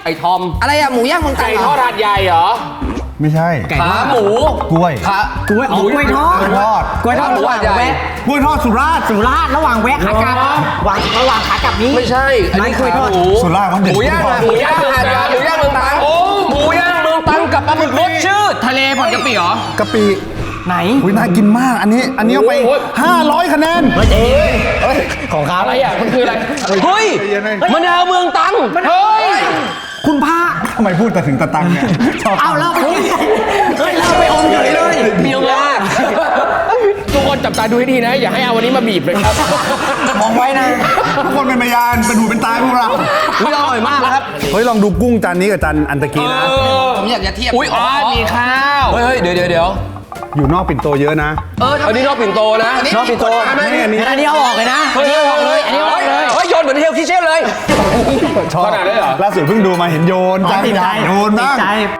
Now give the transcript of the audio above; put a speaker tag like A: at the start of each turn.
A: ไอ้ทอม
B: อะไรอะหมูย่างเมืองตรั
C: ไก่
B: งเหร
C: ทอ
B: อ
C: ดหาดใหญ่เหรอ
D: ไม่ใช่
A: ขาหมู
D: กล้วย
A: ขาก
E: ล้วยอ๋อกล้วยทอด
D: กล้วยทอด
E: กล้วยทอดระหว่างแวะ
D: กล้วยทอดสุราษฎร์
E: สุราษฎร์ระหว่างแวะขากลับระหว่างขากลับนี้
A: ไม่ใช่อันนี้
E: ไม่กล้วยทอด
A: ขาหมู
D: สุราษฎร์เขา
A: ห
D: เด็ด
A: มูย่างอะหมูย่างหาดใหญ่หมูย่างเมืองตรังโอ้หมูย่างเมืองตรังกับปลาหมึกรสชืด
B: ทะเลผ่อนกะปิเหรอ
D: กะปิ
E: ไหน
D: อุ้ยน่ากินมากอันนี้เอาไป 500 คะแนน
E: ของเขา
C: อะไรอ่ะมันคืออะไร
A: เฮ้ยมะนาวเมืองตรังเฮ้ย
E: คุณพระ
D: ทำไมพูดแต่ถึงตะตังเนี่ยชอบ
E: เอาเราไปกินเฮ้ยเราไปอมเฉยเลย
A: เมียวมาก
C: ทุกคนจับตาดูให้ดีนะ อย่าให้เอาวันนี้มาบีบเลยครับ
E: มองไว้นะ
D: ทุกคนเป็นพยานเป็นหูเป็นตาพวกเรา
A: อุ๊ยอร่อยมากนะครับ
D: เฮ้ยลองดูกุ้งจานนี้กับจานอันตะกี้นะ
B: ผมอยากจะเทียบ
A: อุ๊ยอ๋อ
C: มีข้าว
A: เฮ้ยเดี๋ยว
D: อยู่นอกปิ่นโตเยอะนะ
A: อันนี้นอกปิ่นโตนะ
E: นอกปิ่นโต
D: ไม่อันนี้
E: อันนี้เอาออกเลยนะ
A: เฮ้ยออกเลย
E: อันนี้เอาออกเลย
A: เฮ้ยโยนเหมือนเฮลคิเช่นเลย
D: ชอบ
C: ขนาดนั้นเหรอ
D: ล่าสุดเพิ่งดูมาเห็นโยนจาน
E: ติดใจ
D: โยนบ้าง
E: ติดใจ